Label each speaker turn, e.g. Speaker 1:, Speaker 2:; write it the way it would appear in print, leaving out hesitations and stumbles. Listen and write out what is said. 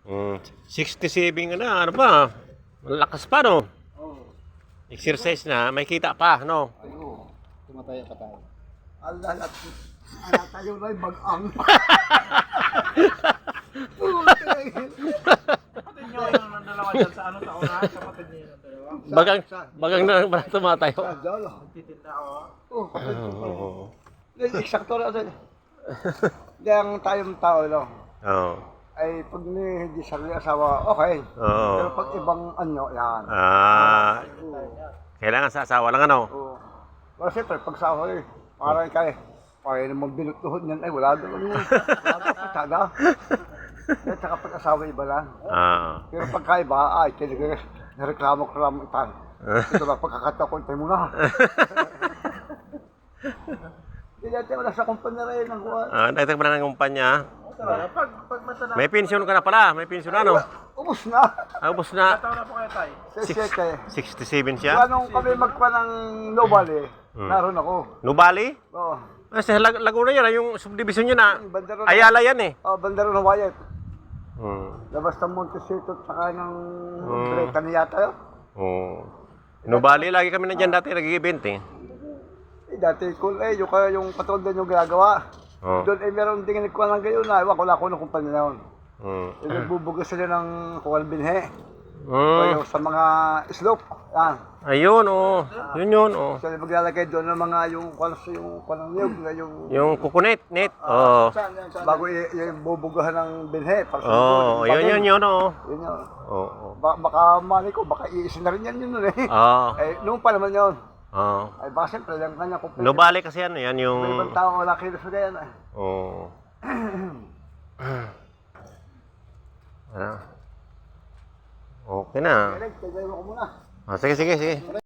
Speaker 1: 67 ka na, ano ba? Malakas pa, no?
Speaker 2: Oo.
Speaker 1: Exercise na, may kita pa, no?
Speaker 2: Ayun. Tumataya pa tayo. Alat. Alat tayo na yung bag-ang.
Speaker 3: Kapatid nyo yung dalawa dyan sa ano sa unahan, kapatid nyo yung dalawa.
Speaker 1: Bagang na tumatayo.
Speaker 2: Dalo.
Speaker 3: Titinda ako.
Speaker 2: Oo, kapatid ko pa.
Speaker 1: Oo.
Speaker 2: Eksakto na ito. Hindi ang tayong tao, no?
Speaker 1: Oo.
Speaker 2: Ay, pag hindi sarili asawa, okay.
Speaker 1: Oo.
Speaker 2: Pero pag ibang anyo, yan.
Speaker 1: Kailangan sa asawa lang, ano?
Speaker 2: Oo. Pero siyempre, pag sa ako parang kaya, kaya naman binutuhod niyan, ay wala doon. Wala doon, patada. At saka pag asawa iba lang. Pero pag kaiba, ay, kaya nareklamo-klamo itan. Ito lang, pagkakataon, tayo muna. Hindi natin wala sa kumpanya rin ang kuha.
Speaker 1: Dagdag pa na ng kumpanya.
Speaker 3: Pag matanda,
Speaker 1: May pensyon ka na pala, may pensyon na, no?
Speaker 2: Ubus na.
Speaker 1: Ubus na.
Speaker 3: taon na po kayo tayo.
Speaker 2: Siyete.
Speaker 1: 67 siya.
Speaker 2: Anong kami magpa ng Nobal naroon ako.
Speaker 1: Nubali?
Speaker 2: Oo.
Speaker 1: Sa Laguna yan, yung subdivision yun na.
Speaker 2: Bandaro
Speaker 1: Ayala yan eh.
Speaker 2: Oh, Bandaro ng Wayat.
Speaker 1: Hmm.
Speaker 2: Labas ng Montecito at saka ng
Speaker 1: Hmm.
Speaker 2: Bretan yata yun.
Speaker 1: Nubali, lagi kami na dyan dati, nag-event eh.
Speaker 2: Dati cool yung kaya yung patron din yung ginagawa. Doon meron din ko lang gayon na, ewan ko lang kung anong kumpanya na yun. Nagbubugas sila ng kuwal binhe. Yung sa mga slope. Yan.
Speaker 1: Ayun, yun,
Speaker 2: Sila maglalagay doon ng mga yung niyog,
Speaker 1: Yung kukunit, net.
Speaker 2: bago ibubugahan ng binhe.
Speaker 1: Yun,
Speaker 2: Yun yun. Baka mali ko, baka iisin na rin yan yun nun eh. Noong pa naman yun. Ay baka siyempre, yung kanya kumpanya.
Speaker 1: Nubali kasi yan yung...
Speaker 2: May ibang tao wala kilos na yan eh.
Speaker 1: Okay na.
Speaker 2: Tagay mo ko muna.
Speaker 1: Sige.